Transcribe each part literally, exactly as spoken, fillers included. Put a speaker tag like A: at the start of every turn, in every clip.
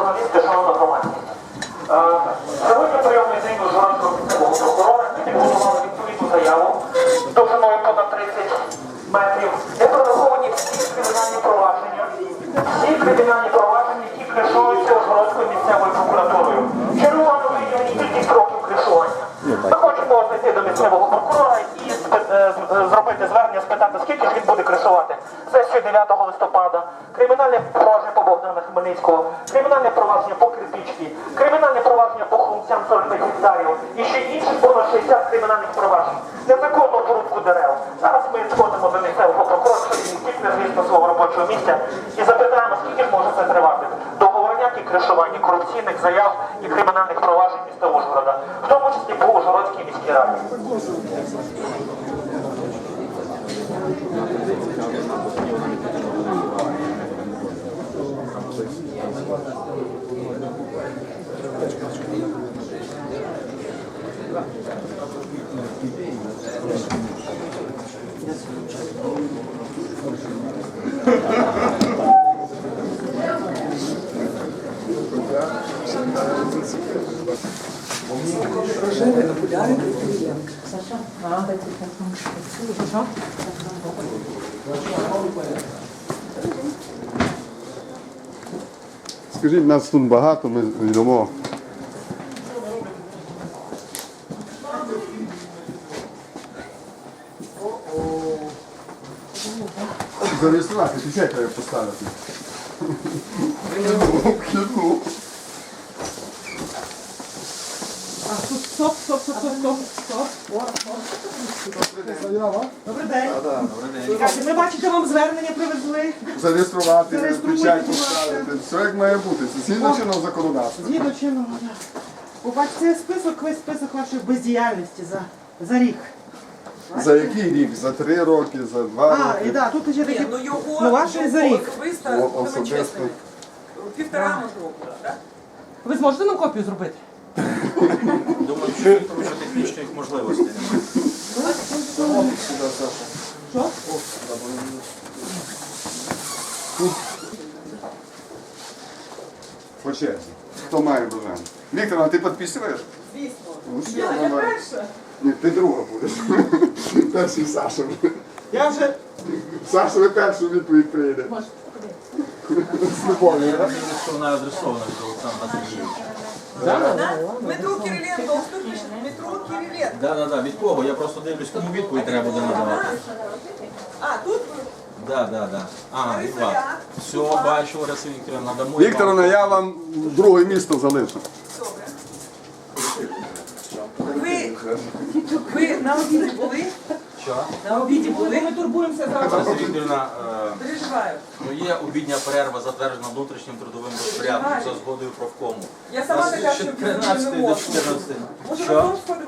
A: журналісти, шановна громадськість. Сьогодні прийомний день Ужгородського місцевого прокурора. Ми підготували відповідну заяву довжиною понад тридцять метрів, де прораховані всі кримінальні провадження, всі кримінальні провадження, які кришуються Ужгородською місцевою прокуратурою. Червоно виділені кількість років кришування. Ми хочемо знайти до місцевого прокурора і зробити звернення, спитати, скільки ж він буде кришувати сесію дев'ятого листопада, кримінальне провадження по Богдана Хмельницького, кримінальне провадження по Кирпичці, кримінальне провадження по Хрумцям сорок п'ять гектарів і ще інших понад шістдесят кримінальних проваджень. Незаконну порубку дерев. Зараз ми сходимо до місцевого прокурора, що він тільки звісно свого робочого місця, і запитаємо, скільки ж може це тривати. Договорняк і кришування корупційних заяв і кримінальних проваджень міста Ужгорода, в тому числі по Ужгородській міській раді.
B: Скажіть, нас тут багато, ми йдемо. Зареєструвати, печать треба поставити. Кину.
C: А, тут стоп, стоп, стоп, стоп, стоп, стоп. Добрий день. Ми бачите, вам звернення привезли.
B: Зареєструвати,
C: Зареєструйте,
B: печать
C: будь ласка.
B: поставити. Все як має бути. Це згідно чинного законодавства.
C: Згідно чинного. Побачите список, весь список вашої бездіяльності за, за рік.
B: За який рік? За три роки, за два
C: А, і
B: роки?
C: да, тут ще такі,
D: Ні, ну його,
C: ну ваші за
D: його
C: рік.
D: особисто,
B: О,
D: будемо
B: особисто.
D: чесними, півтора може року, так?
C: Ви зможете нам копію зробити?
E: Думаю, що він тому, що технічних можливостей немає.
C: Що?
B: По черзі. Хто має бажання? Віктор, а ти підписуєш?
D: Звісно.
B: Ну, все,
D: Я, я
B: давай.
D: перша.
B: Ні, ти друга будеш. Перший Саша.
C: Я вже...
B: Саша ви першу відповідь прийде. З любов'ю.
E: Я розумію, що вона адресована від Олександра Сергійовича.
D: Да? Дмитро Кириленко, ось тут пише Дмитро Кириленко.
E: Так, так, так, від кого? Я просто дивлюсь, кому відповідь треба буде надавати.
D: А, тут
E: Так, так, так. Ага, і вас. Все, бачу, Лариса Вікторівна, надамо.
B: Вікторовна, я вам друге місто залишу.
D: добре. Ви, ви на обіді були?
E: Що?
D: На обіді були?
C: Ми турбуємося за вас.
E: Лариса Вікторівна, е,
D: Переживаю.
E: ну, є обідня перерва, затверджена внутрішнім трудовим розпорядком за згодою профкому.
D: Я сама
E: У нас
D: така,
E: ще
D: що
E: тринадцятої до чотирнадцятої.
D: Може,
E: Що?
D: на фронт сходимо?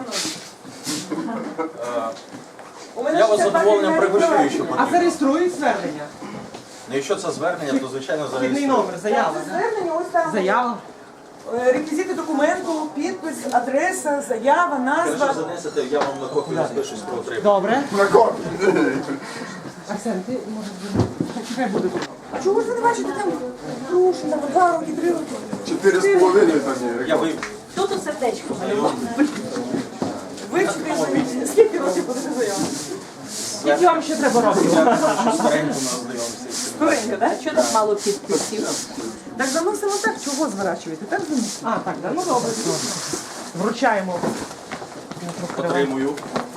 E: Е,
D: У мене
E: Я вас з
D: шістдесят
E: задоволенням
D: п'ять
E: пригощую,
D: гривень.
E: що
C: А
E: потрібно.
C: зареєструють звернення?
E: Ну, якщо це звернення, то звичайно
C: Вхідний
E: зареєструємо.
C: номер, заява.
D: Це звернення, ось там.
C: Заява.
D: Е, Реквізити документу, підпис, адреса, заява, назва.
E: Якщо занесете, я вам на копію розпишусь про отримання.
C: Добре.
B: На копії.
C: Арсен, ти може хай буде.
D: А чого ж ви не бачите там гроші на два роки, три роки?
B: Чотири з половиною там є.
E: Я ви
F: Тут у сердечко.
D: Вивчити вже. Скільки років будете заяву?
C: Скільки вам ще треба років?
E: старенько знайомимося.
D: Скоренько, так?
F: Що так мало підписів?
D: Так заносимо так, чого зворачуєте? Так заносимо?
C: А, так, да, ну добре. Вручаємо.
E: Отримую.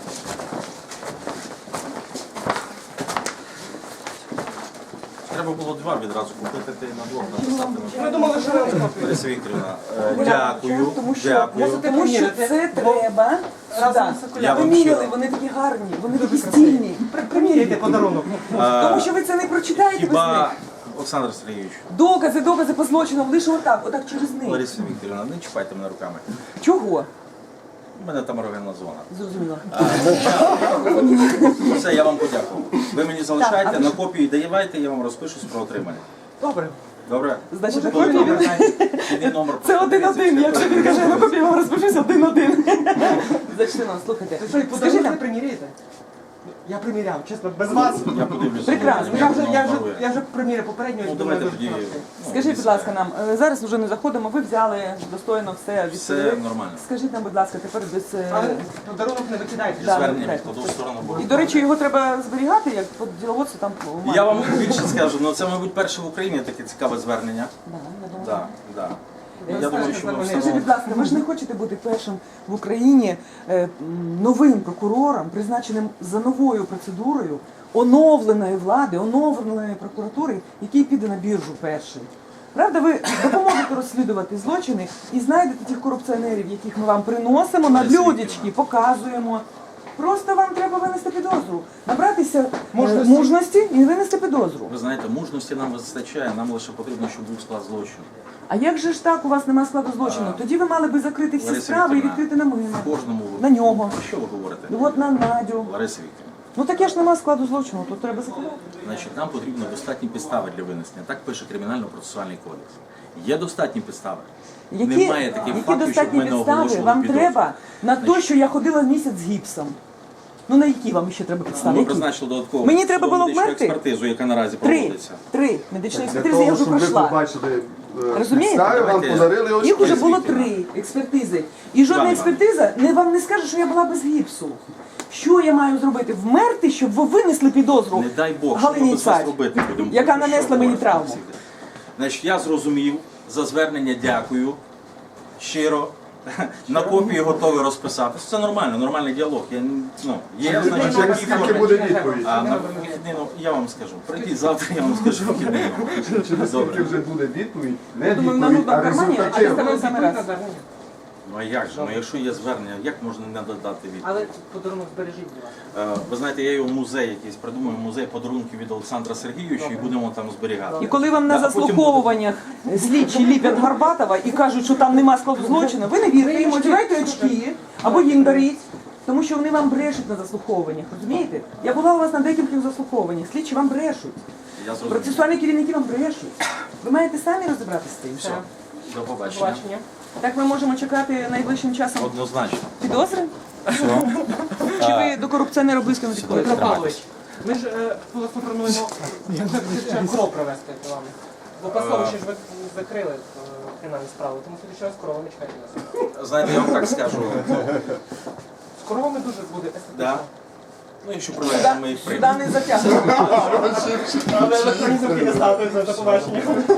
E: Треба було два відразу купити, ти на двох написати.
C: Ми думали, що ви копію.
E: Лариса Вікторівна, е, дякую,
D: Тому що,
E: дякую.
D: тому що це треба.
C: Разом з
D: сюди.
E: Я
D: Ви
E: вам
D: міряли,
E: щиро.
D: вони такі гарні, вони такі стильні.
C: Приміряйте подарунок.
E: Е,
D: Тому що ви це не прочитаєте без них.
E: Хіба, Олександр Сергійович,
D: Докази, докази по злочинам, лише отак, отак через них.
E: Лариса Вікторівна, не чіпайте мене руками.
D: Чого?
E: У мене там рогенна зона.
D: Зрозуміло.
E: Все, я вам подякував. Ви мені залишайте, на копії давайте, я вам розпишусь про отримання.
C: Добре.
E: Добре?
D: Значить,
E: Коли
D: копії
E: там
D: він-
E: вхідний номер
D: Це один-один,
E: проходиться,
D: якщо він каже, на копію вам розпишусь один-один. Зачни нам, слухайте.
C: Ви що, і
D: Скажи
C: подарунок
D: нам,
C: не приміряєте? Я приміряв, чесно, без вас.
E: Я подивлюся.
D: Прекрасно.
C: Я вже, я вже,
E: Нове.
C: я вже приміряв попередньо.
E: Ну,
C: думаю,
E: давайте
C: дуже
E: тоді.
C: хороший.
D: Скажіть, будь ласка, нам е, зараз вже не заходимо. Ви взяли достойно все відповіли.
E: Все нормально.
D: Скажіть нам, будь ласка, тепер без е,
C: Але подарунок не викидайте.
D: Да.
E: Звернення
D: так.
E: відкладу в сторону. бо-
D: і до речі, його треба зберігати, як от діловодство там у
E: Я вам більше скажу, ну це, мабуть, перше в Україні таке цікаве звернення.
D: Да, я думаю.
E: Так, так.
C: Я
E: Я думаю,
C: скажу,
E: що ми
C: що
E: все
D: Скажіть, будь ласка, ви ж не хочете бути першим в Україні е, м, новим прокурором, призначеним за новою процедурою оновленої влади, оновленої прокуратури, який піде на біржу перший. Правда, ви допоможете розслідувати злочини і знайдете тих корупціонерів, яких ми вам приносимо на блюдечки, показуємо. Просто вам треба винести підозру, набратися е,
C: Мужності.
D: мужності і винести підозру.
E: Ви знаєте, мужності нам вистачає, нам лише потрібно, щоб був склад злочину.
D: А як же ж так у вас немає складу злочину? Тоді ви мали би закрити всі
E: Лариса
D: справи і
E: Вікторівна,
D: відкрити на мене.
E: В кожному
D: На нього.
E: Про що ви говорите?
D: Ну от на Надю.
E: Лариса Вікторівна,
D: Ну таке ж нема складу злочину, тут треба закривати.
E: значить, нам потрібно достатні підстави для винесення. Так пише Кримінально-процесуальний кодекс. Є достатні підстави.
D: Які,
E: Немає таких
D: які
E: фактів, щоб
D: достатні
E: ми не
D: підстави
E: оголошували
D: вам
E: підозру.
D: треба на те,
E: Значить,
D: що я ходила місяць з гіпсом? Ну на які вам ще треба підстави?
E: Ми
D: Які?
E: призначили додаткову
D: Мені треба було
E: судово-медичну
D: вмерти?
E: експертизу, яка наразі
D: Три.
E: проводиться.
D: Три. Медичні
B: Для
D: експертизи я
B: того,
D: вже
B: щоб ви
D: пройшла.
B: побачили е,
D: Розумієте?
B: підстави, вам
E: Давайте.
B: подарили ось
D: Їх уже
B: ось.
D: було три експертизи. І жодна
E: Іван
D: експертиза не вам не скаже, що я була без гіпсу. Що я маю зробити? Вмерти, щоб ви винесли підозру
E: Не дай Бог, що ми
D: Галині
E: без вас
D: Царь,
E: робити будемо.
D: яка
E: Про що
D: нанесла мені
E: говорити?
D: травму.
E: Значить, я зрозумів, за звернення дякую, щиро. На копії готовий розписатися. Це нормально, нормальний діалог. Я, ну, є, значить,
B: Через
E: такі
B: скільки
E: форми.
B: буде відповідь?
E: А на вихідний, ну, я вам скажу. Прийдіть завтра, я вам скажу вихідний.
B: Через скільки
E: Добре.
B: вже буде відповідь? Не
D: Думаю, на
B: відповідь,
D: нудному
B: а
D: кармані, а
B: результативна.
D: я саме раз.
E: Ну а як же? Ну якщо є звернення, як можна не додати відповідь?
C: Але подарунок збережіть, будь ласка.
E: Е, Ви знаєте, я його в музей якийсь придумаю, музей подарунків від Олександра Сергійовича і будемо там зберігати.
D: І коли вам на
E: Да, а потім
D: заслуховуваннях слідчі ліпять Горбатова і кажуть, що там нема складу злочину, ви не вірте їм, одягайте очки або їм даріть, тому що вони вам брешуть на заслуховуваннях, розумієте? Я була у вас на декількох заслуховуваннях, слідчі вам брешуть,
E: Я зрозумів.
D: процесуальні керівники вам брешуть. Ви маєте самі розібратися з тим.
E: Все, до побачення.
D: Так ми можемо чекати найближчим часом
E: Однозначно.
D: підозри? Чи ви до корупціонера близько не підходите?
C: Петро Павлович, ми ж е, власне плануємо кров провести до вами. Бо Пасовичі ж ви закрили е, кримінальну справу, тому що раз коровами чекайте нас.
E: Знаєте, я вам так скажу.
C: З коровами дуже буде естетично.
E: Да. Ну, якщо привеземо, ми їх
D: Сюди
E: приймемо.
D: не затягнемо.
C: Але електронні замки не ставте за побачення.